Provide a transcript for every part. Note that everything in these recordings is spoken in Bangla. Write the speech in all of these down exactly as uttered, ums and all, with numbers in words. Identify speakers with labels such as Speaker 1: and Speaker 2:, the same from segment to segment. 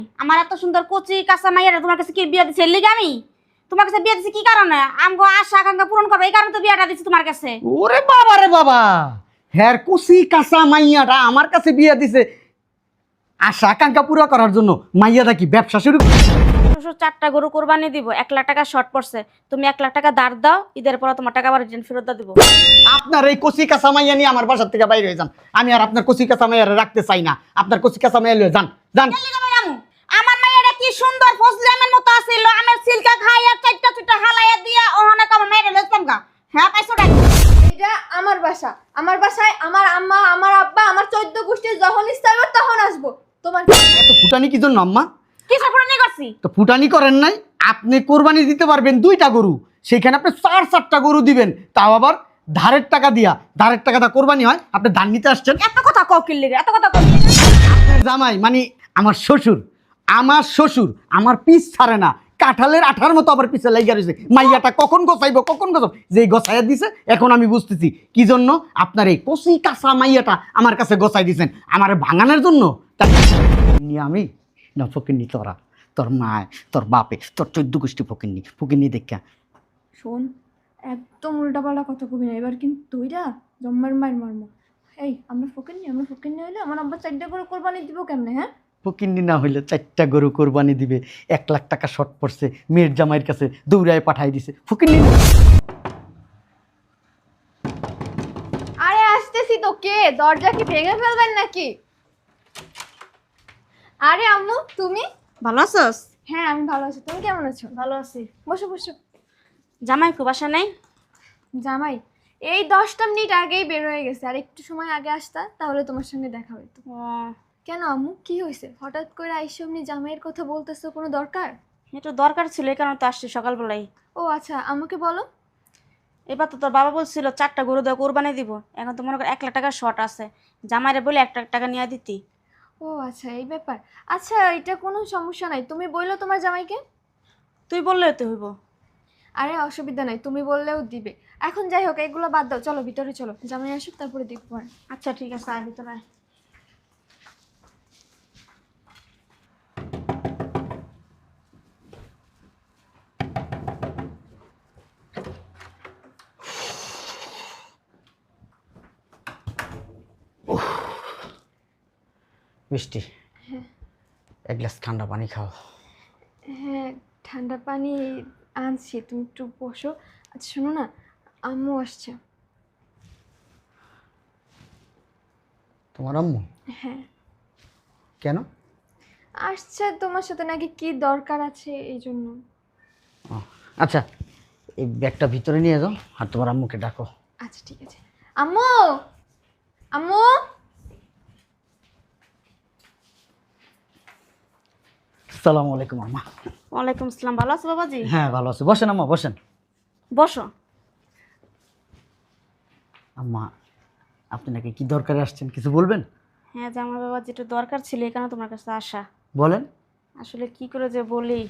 Speaker 1: আমার এত সুন্দর কচি কাঁচা মাইয়ারা তোমার কাছে কি বিয়ে দিছে এর লিগে আমি তোমার কাছে বিয়ে দিছি কি কারণে আমগো আশা আকাঙ্ক্ষা পূরণ করবে এই কারণে তো বিয়েটা দিছি তোমার কাছে।
Speaker 2: ওরে বাবা রে বাবা, হ্যার কুসি কাঁচা মাইয়াটা আমার কাছে বিয়ে দিছে আশা আকাঙ্ক্ষা পুরো করার জন্য। মাইয়াটা কি ব্যবসা শুরু করছে?
Speaker 1: শ্বশুর চারটা গরু কোরবানি দিব, এক লাখ টাকা শর্ট পড়ছে, তুমি এক লাখ টাকা ধার দাও, ঈদের পর তোমার টাকা আবার রিটার্ন ফেরত দিব।
Speaker 2: আপনার এই কচি কাঁচা মাইয়া নিয়ে আমার বাসার থেকে বাইরে হয়ে যান। আমি আর আপনার কচি কাঁচা মাইয়ারে রাখতে চাই না। আপনার কচি কাঁচা মাইয়া লয়ে যান যান।
Speaker 1: আমার মাইয়াটা কি সুন্দর ফজলি আমের মতো আছিল, আমের সিলকা খাইয়া চারটা চুটা হালাইয়া দিয়া ওখানে আমার মাইয়ারে লইতাম গা। হ্যাঁ পাইছো টাকা?
Speaker 3: এটা আমার বাসা, আমার বাসায় আমার আম্মা আমার আব্বা আমার চোদ্দ গোষ্ঠী যখন ইচ্ছা হবে তখন আসবো। তোমার
Speaker 2: এত ফুটানি কি জন্য আম্মা?
Speaker 1: কি সাফরানি করছি?
Speaker 2: তো ফুটানি করেন নাই, আপনি কোরবানি দিতে পারবেন দুইটা গরু, সেখানে আপনি চার চারটা গরু দিবেন, তাও আবার ধারের টাকা দিয়া। ধারের টাকা দা কোরবানি হয়, আপনি ধান নিতে আসছেন।
Speaker 1: এত কথা কও কি লিগে? এত কথা কও কি?
Speaker 2: আপনার জামাই মানে আমার শ্বশুর, আমার শ্বশুর আমার পিছ ছাড়ে না, কাঁঠালের আঠার মতো আবার পিছে লাইগা রয়েছে। মাইয়াটা কখন গোছাইব কখন গোছাব, যেই গোছাইয়া দিছে এখন আমি বুঝতেছি কি জন্য আপনার এই কচি কাঁচা মাইয়াটা আমার কাছে গোছাই দিছেন, আমার ভাঙানোর জন্য। তাই নিয়ে আমি না ফকিরনি, তোরা তোর মায় তোর বাপে তোর চোদ্দ গোষ্ঠী ফকিরনি ফকিরনি দেখা।
Speaker 3: শোন, একদম উল্টাপাল্টা কথা কবি না, এবার কিন্তু তুইরা জম্মার মায়ের মারমো। এই আমরা ফকির নি আমরা ফকির নি হইলে আমার আব্বা চারটা করে কোরবানি দিব কেমনে? হ্যাঁ
Speaker 2: ফকিরনি না হইলে চারটা গরু কোরবানি দিবে, এক লাখ টাকা শর্ট পড়ছে, মেয়ের জামাইয়ের কাছে দৌড়ায় পাঠাই দিছে। ফকিরনি না।
Speaker 3: আরে আসতেছি তো, কে দরজা কি ভেঙে ফেলবেন নাকি? আরে আম্মু তুমি?
Speaker 1: ভালো আছোস?
Speaker 3: হ্যাঁ আমি ভালো আছি, তুমি কেমন আছো?
Speaker 1: ভালো আছি।
Speaker 3: বসো বসো।
Speaker 1: জামাই খুব বাসা নাই?
Speaker 3: জামাই এই দশটা মিনিট আগেই বের হয়ে গেছে, আর একটু সময় আগে আসতা তাহলে তোমার সঙ্গে দেখা হইতো।
Speaker 1: ও,
Speaker 3: কেন আম্মু কি হয়েছে? হঠাৎ করে আইসা এমনি জামাইয়ের কথা বলতেছো, কোনো দরকার?
Speaker 1: একটু দরকার ছিল এই কারণে তো আসছি সকালবেলায়।
Speaker 3: ও আচ্ছা, আমাকে বলো।
Speaker 1: এবার তো তোর বাবা বলছিল চারটা গরু দেওয়া কোরবানি দিব, এখন তো মনে কর এক লাখ টাকা শর্ট আছে, জামাইরে বলে এক লাখ টাকা নিয়ে দিতি।
Speaker 3: ও আচ্ছা এই ব্যাপার। আচ্ছা এটা কোনো সমস্যা নাই, তুমি বললো তোমার জামাইকে।
Speaker 1: তুই বললে তো হইব।
Speaker 3: আরে অসুবিধা নাই, তুমি বললেও দিবে। এখন যাই হোক এগুলো বাদ দাও, চলো ভিতরে চলো, জামাই আসুক তারপরে দেখবো। আর
Speaker 1: আচ্ছা ঠিক আছে, আয় ভিতরে আয়।
Speaker 2: মিষ্টি, এক গ্লাস ঠান্ডা পানি খাও।
Speaker 3: হ্যাঁ ঠান্ডা পানি আনছি, তুমি একটু বসো। আচ্ছা শোনো না, আম্মু আসছে।
Speaker 2: তোমার আম্মু?
Speaker 3: হ্যাঁ
Speaker 2: কেন?
Speaker 3: আসছে, তোমার সাথে নাকি কি দরকার আছে এই জন্য।
Speaker 2: ও, আচ্ছা এই ব্যাগটা ভিতরে নিয়ে যাও আর তোমার আম্মুকে ডাকো।
Speaker 3: আচ্ছা ঠিক আছে। আম্মু, আম্মু।
Speaker 2: আসসালামু আলাইকুম আম্মা।
Speaker 1: ওয়ালাইকুম আসসালাম। ভালো আছো বাবাজি?
Speaker 2: হ্যাঁ ভালো আছি, বসেন আম্মা বসেন।
Speaker 1: বসো।
Speaker 2: আম্মা আপনি নাকি কি দরকারে আসছেন, কিছু বলবেন?
Speaker 1: হ্যাঁ জামাই বাবাজি একটু দরকার ছিল এই কারণে তোমার কাছে আসা।
Speaker 2: বলেন।
Speaker 1: আসলে কি করে যে বলি,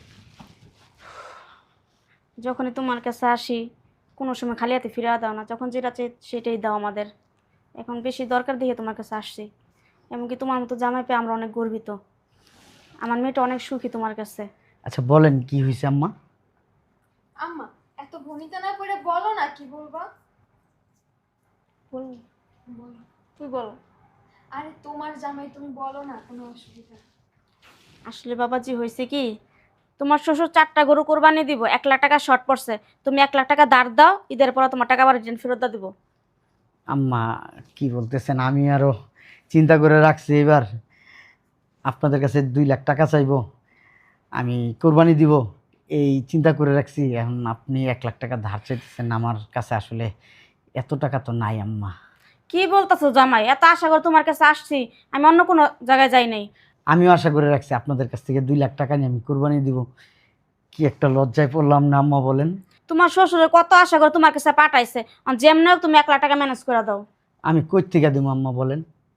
Speaker 1: যখনই তোমার কাছে আসি কোনো সময় খালি হাতে ফিরে দাও না, যখন যেটা চাই সেটাই দাও আমাদের। এখন বেশি দরকার দেখে তোমার কাছে আসছি, এমনকি তোমার মতো জামাই পেয়ে আমরা অনেক গর্বিত। আমার মেয়েটা অনেক সুখী তোমার কাছে।
Speaker 2: আচ্ছা বলেন কি হয়েছে আম্মা?
Speaker 3: আম্মা এত ভনিতা না করে বলো না কি বলবা।
Speaker 1: বল,
Speaker 3: বলো।
Speaker 1: তুই বল।
Speaker 3: আরে তোমার জামাই, তুমি বলো না, কোনো অসুবিধা নেই।
Speaker 1: আসলে বাবাজি হয়েছে কি, তোমার শ্বশুর চারটা গরু কোরবানি দিব, এক লাখ টাকা শর্ট পড়ছে, তুমি এক লাখ টাকা ধার দাও, ঈদের পর তোমার টাকা আবার রিটার্ন ফেরত দিব।
Speaker 2: আম্মা কি বলতেছেন, আমি আরো চিন্তা করে রাখছি, এবার আপনাদের কাছে দুই লাখ টাকা চাইবো, আমি কোরবানি দিব এই চিন্তা করে রাখছি। এখন আপনি এক লাখ টাকা ধার চাইতেছেন, আমার কাছে আসলে এত টাকা তো নাই আম্মা।
Speaker 1: কি বলতেছো জামাই, এত আশা করে তোমার কাছে আসছি, আমি অন্য কোনো জায়গায় যাই নাই।
Speaker 2: আমিও আশা করে রাখছি আপনাদের কাছ থেকে দুই লাখ টাকা নিয়ে আমি কোরবানি দিব। কি একটা লজ্জায় পড়লাম না আম্মা বলেন।
Speaker 1: তোমার শ্বশুরে কত আশা করে তোমার কাছে পাঠাইছে, আর যেমনি হোক তুমি এক লাখ টাকা ম্যানেজ করে দাও।
Speaker 2: আমি কই থেকে দেবো আম্মা বলেন?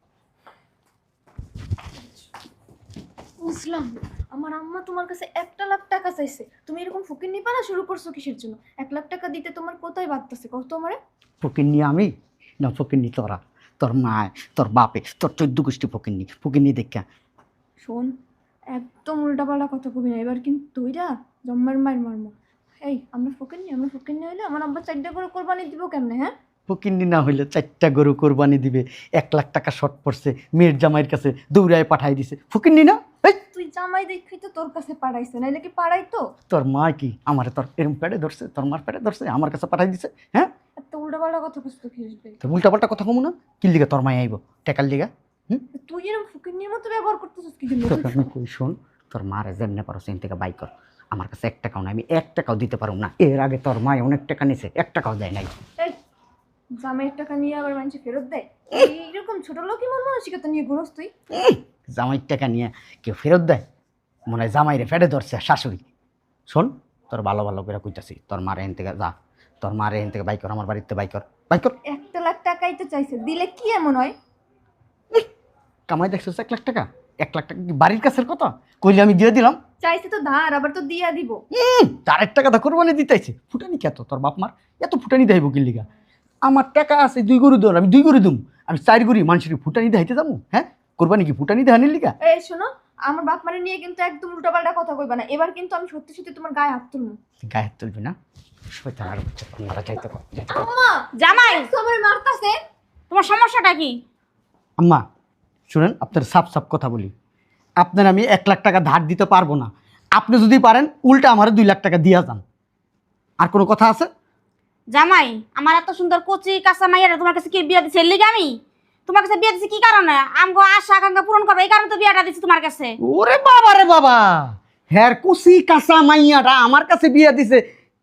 Speaker 3: বুঝলাম না, আমার আম্মা তোমার কাছে একটা লাখ টাকা চাইছে, তুমি এরকম ফকির নিপানা শুরু করছো কিসের জন্য? এক লাখ টাকা দিতে তোমার কোথায় বাড়তেছে কত আমারে?
Speaker 2: ফকিরনি আমি না ফকিরনি তোরা, তোর মায় তোর বাপে তোর চোদ্দ গোষ্ঠী ফকিরনি ফকিরনি দেখা।
Speaker 3: শোন, একদম উল্টাপাল্টা কথা কবি না, এবার কিন্তু তুইরা জম্মার মায়ের মর্ম। এই আমরা ফকির নি আমরা ফকির নি হইলে আমার আব্বা চারটা করে কোরবানি দিব কেমনে? হ্যাঁ,
Speaker 2: ফকিন্নি না হইলে চারটা গরু কোরবানি দিবে, এক লাখ টাকা শর্ট পড়ছে, মেয়ের জামাইয়ের কাছে দৌড়ায় পাঠাই দিছে। ফকিন্নি না? এই
Speaker 3: তুই জামাই দেখি তো তোর কাছে পাঠাইছে, নাইলে কি পাঠাইতো?
Speaker 2: তোর মা কি আমার তোর এরম পেটে ধরছে, তোর মার পেটে ধরছে, আমার কাছে পাঠাই দিছে? হ্যাঁ,
Speaker 3: এত উল্টাপাল্টা কথা কইছ তো খিসবে।
Speaker 2: তো উল্টা পাল্টা কথা কমু না, কি লিগা তোর মাই আইব টাকার লিগা? হুম,
Speaker 3: তুই এরকম ফকিরনির মতো ব্যবহার করতেছিস কি জন্য?
Speaker 2: তোকে আমি কই শোন, তোর মারে যেমনে পারো সেন থেকে বাই কর, আমার কাছে এক টাকাও নাই, আমি এক টাকাও দিতে পারব না। এর আগে তোর মায় অনেক টাকা নিছে, এক টাকাও দেয় নাই।
Speaker 3: এই জামাইয়ের টাকা নিয়ে আবার মানুষ ফেরত দেয়? এইরকম ছোট লোকই মন মানসিকতা নিয়ে ঘুরস তুই?
Speaker 2: উম, জামাইয়ের টাকা নিয়ে কেউ ফেরত দেয়? মনে হয় জামাইরে ফেটে ধরছে শাশুড়ি। শোন, তোর ভালো ভালো করে কইতাছি, তোর মারে এন থেকে যা, তোর মারে এন থেকে বাই কর, আমার বাড়িতে বাই কর, বাই কর।
Speaker 3: একটা লাখ টাকাই তো চাইছে, দিলে কি এমন হয়?
Speaker 2: কামাই দেখছিস এক লাখ টাকা? এক লাখ টাকা কি বাড়ির কাছের কথা? কইলে আমি দিয়ে দিলাম।
Speaker 3: চাইছে তো ধার, আবার তো দিয়া দিব।
Speaker 2: উম, চারের টাকা দা কোরবানি দিতেছে, ফুটানি কে তোর বাপ মার এত ফুটানি দেখাইব কি লিগা? আমার টাকা আছে দুই গরু দর, আমি দুই গরু দুম, আমি চার গরু মানুষের ফুটানি দেখাইতে যাবো? হ্যাঁ, কোরবানি কি ফুটানি দেখানির লিগা?
Speaker 3: এই শোনো, আমার বাপ মারে নিয়ে কিন্তু একদম উল্টাপাল্টা কথা কইবা না, এবার কিন্তু আমি সত্যি সত্যি তোমার গায়ে হাত তুলবো।
Speaker 2: গায়ে হাত তুলবি না? শয়তান আর বাচ্চা, তোমরা যাইতে কর, যাইতে কর।
Speaker 3: আম্মা
Speaker 1: জামাই,
Speaker 3: সবাই মারতাছে।
Speaker 1: তোমার সমস্যাটা কি?
Speaker 2: আম্মা শুনেন, আপনার সাফ সাফ কথা বলি, আপনার আমি এক লাখ টাকা ধার দিতে পারবো না। আপনি যদি পারেন উল্টা আমার দুই লাখ টাকা দিয়া যান। আর কোনো কথা আছে?
Speaker 1: জামাই, আমার এত সুন্দর কচি কাঁচা মাইয়ারা তোমার কাছে কি বিয়া দিছে? এর লিগে আমি তোমার কাছে বিয়া দিছি কি কারণে? আমগো আশা আকাঙ্ক্ষা পূরণ করবে, এই কারণে তো বিয়াটা দিছি তোমার কাছে।
Speaker 2: ওরে বাবা রে বাবা, হ্যার কুসি কাঁচা মাইয়াটা আমার কাছে বিয়া দিছে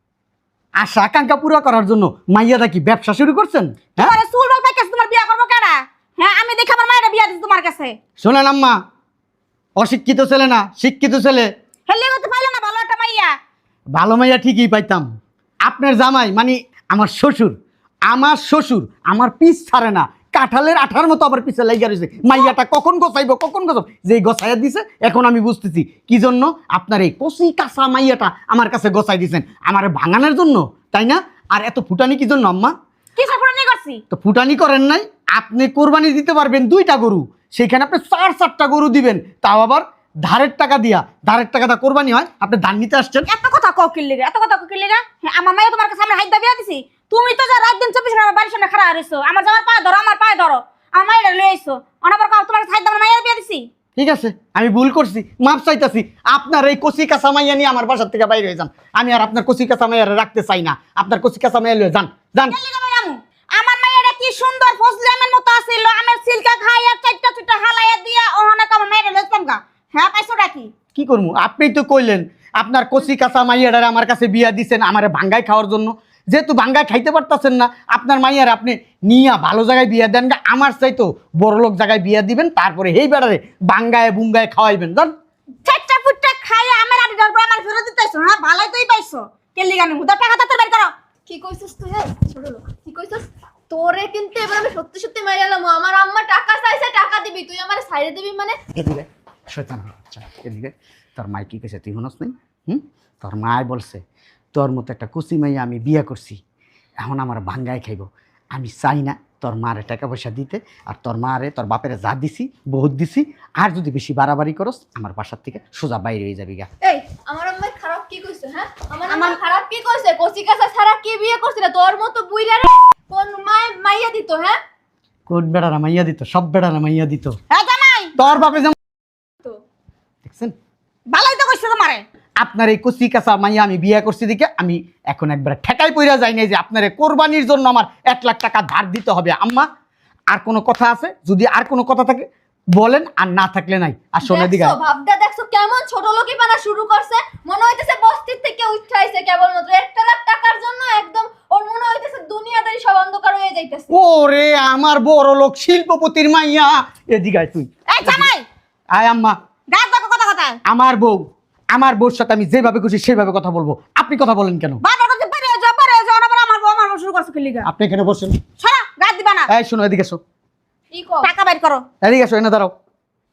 Speaker 2: আশা আকাঙ্ক্ষা পুরো করার জন্য? মাইয়াটা কি ব্যবসা শুরু করছেন? হ্যাঁ,
Speaker 1: তোমার চুল বাল পাইকাছে, তোমার বিয়া করবো কেডা? হ্যাঁ, আমি দেখে আমার মায়েরা বিয়া দিছি তোমার কাছে।
Speaker 2: শোনেন আম্মা, অশিক্ষিত ছেলে না, শিক্ষিত ছেলে।
Speaker 1: হেলে করতে পাইলো না ভালো একটা মাইয়া।
Speaker 2: ভালো মাইয়া ঠিকই পাইতাম। আপনার জামাই মানে আমার শ্বশুর, আমার শ্বশুর আমার পিছ ছাড়ে না, কাঁঠালের আঠার মতো আবার পিছে লাইগা রয়েছে। মাইয়াটা কখন গোছাইবো কখন গোছাব, যে গোছাইয়া দিছে এখন আমি বুঝতেছি কি জন্য আপনার এই কচি কাঁচা মাইয়াটা আমার কাছে গোছাই দিছেন, আমার ভাঙানোর জন্য, তাই না? আর এত ফুটানি কি জন্য আম্মা?
Speaker 1: কি সাপুরানি করছি?
Speaker 2: তো ফুটানি করেন নাই, আপনি কোরবানি দিতে পারবেন দুইটা গরু, সেখানে আপনি চার চারটা গরু দিবেন, তাও আবার ধারের টাকা দিয়া। ধারের টাকাটা কোরবানি হয়, আপনি ধান নিতে আসছেন।
Speaker 1: এত কথা ককিল লিগা, এত কথা ককিল লিগা। হ্যাঁ, আমার মাইয়া তোমার কাছে আমরা হাইদা বিয়া দিছি। তুমি তো যা রাত দিন চব্বিশ ঘন্টা আমার বাড়ির সামনে খাড়া রইছো, আমার জামার পায়ে ধরো, আমার পায়ে ধরো, আমার মাইয়া লই আইছো। অনাবার কাউ তোমার কাছে হাইদা আমার মাইয়া বিয়া দিছি।
Speaker 2: ঠিক আছে, আমি ভুল করছি, মাপ চাইতাছি। আপনার এই কচি কাঁচা মাইয়া নিয়ে আমার বাসার থেকে বাইরে হয়ে যান। আমি আর আপনার কচি কাঁচা মাইয়ারে রাখতে চাই না। আপনার কচি কাঁচা মাইয়া লয়ে যান, যান।
Speaker 1: কেন লিগা ভাই আমু? আমার মাইয়াটা কি সুন্দর ফজলি আমের মতো আছিল, আমের সিলকা খাইয়া চারটা চুটা হালাইয়া দিয়া ওহনে আমার মাইয়া লইতাম গা। হ্যাঁ, পাইছোটা কি?
Speaker 2: কি করবো? আপনিই তো কইলেন আপনার কচি কাঁচা মাইয়াটারে আমার কাছে বিয়া দিছেন আমারে ভাঙ্গায় খাওয়ার জন্য। যেহেতু ভাঙ্গায় খাইতে পারতেছেন না, আপনার মাইয়ার আপনি নিয়া ভালো জায়গায় বিয়া দেন গা, আমার চাইতো বড় লোক জায়গায় বিয়া দিবেন, তারপরে এই বেড়ারে ভাঙ্গায় বুঙ্গায় খাওয়াইবেন। জান,
Speaker 1: চারটা ফুটটা খাইয়া আমার আড়ি ধরবো, আমার ফেরত দিতেছো। হ্যাঁ, ভালোই তুই পাইছো। কে লিগা আমি হুদা টাকা তো বের করো।
Speaker 3: কি কইছিস তুই? এই ছোট লোক, কি কইছিস? তোরে কিন্তু এবার আমি সত্যি সত্যি মেরে এলাম। আমার আম্মা টাকা চাইছে, টাকা দিবি, তুই আমার সাইডে দিবি মানে?
Speaker 2: এদিকে শয়তান বাচ্চা, এদিকে। তোর মাই কি কইছে তুই শুনস নাই? হুম, তোর মায় বলছে তোর মতো একটা কুচি মাইয়া আমি বিয়া করছি, এখন আমার ভাঙ্গায় খাইব। আমি চাই না তোর মারে টাকা পয়সা দিতে, আর তোর মারে তোর বাপেরে যা দিছি বহুত দিছি, আর যদি বেশি বাড়াবাড়ি করস আমার বাসার থেকে সোজা বাইরে হয়ে যাবি গা।
Speaker 3: এই আমার আম্মা খারাপ কি কইছে? হ্যাঁ, আমার আম্মা খারাপ কি কইছে? কচি কাঁচা ছাড়া কি বিয়ে করছিস? তোর মতো বুইরা রে কোন মায় মাইয়া দিত? হ্যাঁ,
Speaker 2: কোন বেড়ারা মাইয়া দিত? সব বেড়ারা মাইয়া দিত।
Speaker 1: হ্যাঁ জামাই,
Speaker 2: তোর বাপে যেমন
Speaker 3: তো
Speaker 2: দেখছেন,
Speaker 1: ভালোই তো কইছো তোমারে।
Speaker 2: আপনার এই কচি কাঁচা মাইয়া আমি বিয়ে করছি দিকে আমি এখন একবার ঠেকাই পইরা যাই নাই যে আপনার এই কোরবানির জন্য আমার এক লাখ টাকা ধার দিতে হবে। আম্মা, আর কোনো কথা আছে? যদি আর কোনো কথা থাকে বলেন, আর না থাকলে নাই। আর শোনে দিকে
Speaker 3: দেখছো ভাবদা, দেখছো কেমন ছোট লোকই বানা শুরু করছে? মনে হইতেছে বস্তির থেকে উঠাইছে কেবলমাত্র একটা লাখ টাকার জন্য। একদম ওর মনে হইতেছে দুনিয়াদারি সব অন্ধকার হয়ে যাইতেছে।
Speaker 2: ওরে আমার বড় লোক শিল্পপতির মাইয়া, এদিকে আয় তুই।
Speaker 1: এই জামাই,
Speaker 2: আয় আম্মা,
Speaker 1: গাছ দেখো কথা কথা।
Speaker 2: আমার বউ, আমার বউর সাথে আমি যেভাবে খুশি সেভাবে কথা বলবো। আপনি কথা বলেন কেন?
Speaker 1: বাবা কথা পারে যাও পারে যাও, অনাবার আমার বউ আমার বউ শুরু করছো কি লিগা?
Speaker 2: আপনি এখানে বসেন।
Speaker 1: সারা গাছ দিবা না।
Speaker 2: এই শোনো, এদিকে এসো,
Speaker 3: কি কও?
Speaker 1: টাকা বের করো।
Speaker 2: এদিকে এসো, এনে দাঁড়াও।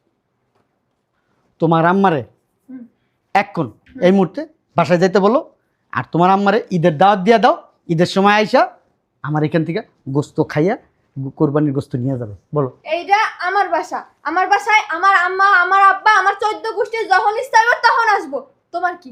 Speaker 2: তোমার আম্মারে
Speaker 3: হুম।
Speaker 2: এক্ষণ এই মুহূর্তে বাসায় যাইতে বলো, আর তোমার আম্মারে ঈদের দাওয়াত দিয়া দাও। ঈদের সময় আইসা আমার এখান থেকে গোস্ত খাইয়া কোরবানির গোস্ত নিয়ে যাবে বলো?
Speaker 3: এইটা আমার বাসা, আমার বাসায় আমার আম্মা, আমার আব্বা, আমার চোদ্দ গোষ্ঠীর যখন ইচ্ছা হবে তখন আসবো। তোমার কি?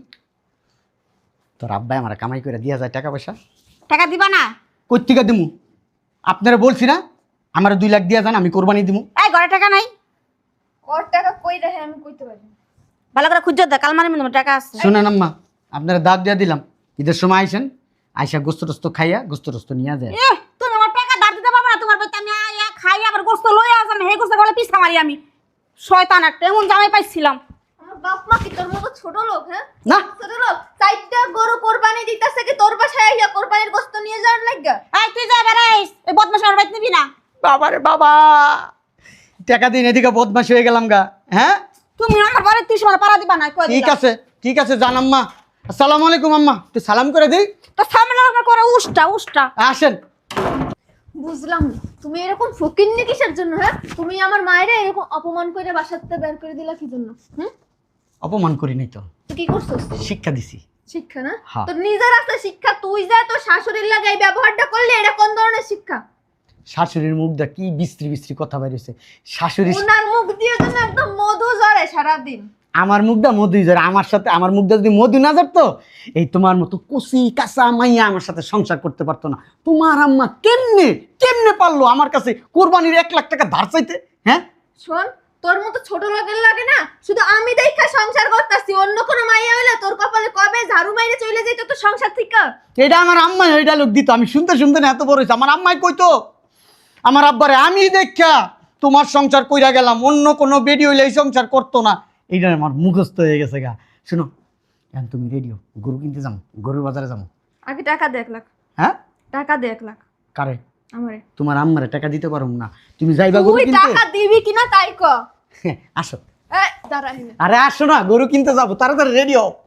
Speaker 2: তোর আব্বাই আমার কামাই করে দিয়া যায় টাকা পয়সা,
Speaker 1: টাকা দিবা না?
Speaker 2: কই থেকে দিমু? আপনারা বলছি না আমার দুই লাখ দিয়া যান, আমি কোরবানি দিমু।
Speaker 1: এই ঘরে টাকা নাই?
Speaker 3: ওর টাকা কই রাখে আমি কইতে পারি না।
Speaker 1: ভালো করে খুঁজে দে, কালমারি মধ্যে টাকা আছে।
Speaker 2: শুনেন আম্মা, আপনারা দাগ দিয়া দিলাম, ঈদের সময় আইসেন, আইসা গোস্ত টোস্ত খাইয়া গোস্ত টোস্ত নিয়ে যায়।
Speaker 1: এ তুমি আমার টাকা ধার দিতে পারবে না? তোমার বাড়িতে আমি আইয়া খাই আবার গোস্ত লই আসলাম, হে গোস্ত বলে পিছা মারি আমি। শয়তান একটা, এমন জামাই পাইছিলাম।
Speaker 3: আমার বাপ মা কি তোর মতো ছোট লোক? হ্যাঁ
Speaker 2: না
Speaker 3: ছোট লোক, চারটা গরু কোরবানি দিতেছে কি তোর বাসায় আইয়া কোরবানির গোস্ত নিয়ে যাওয়ার লাগা?
Speaker 1: এই তুই যা বেড়াইস, এই বদমাশ আমার বাড়িতে নিবি না।
Speaker 2: বাবারে বাবা, টাকা দিন এদিকে বদমাশ হয়ে গেলাম গা। হ্যাঁ
Speaker 1: তুমি আমার বাড়িতে তুই সময় পাড়া দিবা না, কই
Speaker 2: ঠিক
Speaker 1: দিলা?
Speaker 2: আছে ঠিক আছে, জান আম্মা। আসসালামু আলাইকুম আম্মা, তুই সালাম করে দিই।
Speaker 1: তো সামনে আমার করে উষ্টা উষ্টা।
Speaker 2: আসেন।
Speaker 3: বুঝলাম না, তুমি এরকম ফকিন্নি কিসের জন্য? হ্যাঁ তুমি আমার মায়েরা এরকম অপমান করে বাসাতে বের করে দিলা কি জন্য? হুম
Speaker 2: অপমান করি নাই তো,
Speaker 3: তুই কি করছস?
Speaker 2: শিক্ষা দিছি।
Speaker 3: শিক্ষা না?
Speaker 2: হ্যাঁ।
Speaker 3: তোর নিজের আছে শিক্ষা, তুই যা তোর শাশুড়ির লাগে এই ব্যবহারটা করলে, এটা কোন ধরনের শিক্ষা?
Speaker 2: শাশুড়ির মুখটা কি বিশ্রী বিশ্রী কথা বেরিয়েছে। শাশুড়ি
Speaker 3: ওনার মুখ দিয়ে যেন একদম মধু ঝরে সারাদিন।
Speaker 2: আমার মুখটা মধুই যার, আমার সাথে আমার মুখটা যদি মধু না যারতো এই তোমার মতো কচি কাঁচা মাইয়া আমার সাথে সংসার করতে পারতো না। তোমার আম্মা কেমনে কেমনে পারলো আমার কাছে কোরবানির এক লাখ টাকা ধার চাইতে? হ্যাঁ
Speaker 3: শোন, তোর মতো ছোট লোকের লাগে না, শুধু আমি দেখা সংসার করতেছি, অন্য কোনো মাইয়া হইলে তোর কপালে কবে ঝাড়ু মাইরে চলে যেত তো সংসার থেকে।
Speaker 2: এটা আমার আম্মাই ওই ডায়লগ দিত, আমি শুনতে শুনতে না এত বড় হয়েছে। আমার আম্মাই কইতো আমার আব্বারে, আমি দেখা তোমার সংসার কইরা গেলাম, অন্য কোনো বেডি হইলে এই সংসার করতো না। এইটা আমার মুখস্থ হয়ে গেছে গা। শুনো, এখন তুমি রেডিও, গরু কিনতে যাবো, গরুর বাজারে যাবো।
Speaker 3: আগে টাকা দে এক লাখ।
Speaker 2: হ্যাঁ
Speaker 3: টাকা দে এক লাখ
Speaker 2: কারে?
Speaker 3: আমারে।
Speaker 2: তোমার আম্মারে টাকা দিতে পারো না, তুমি যাইবা গরু
Speaker 3: তুই
Speaker 2: কিনতে।
Speaker 3: টাকা দিবি কিনা তাই ক।
Speaker 2: আসো।
Speaker 3: এই দাঁড়া এখানে।
Speaker 2: আরে আসো না, গরু কিনতে যাবো, তাড়াতাড়ি রেডি হও।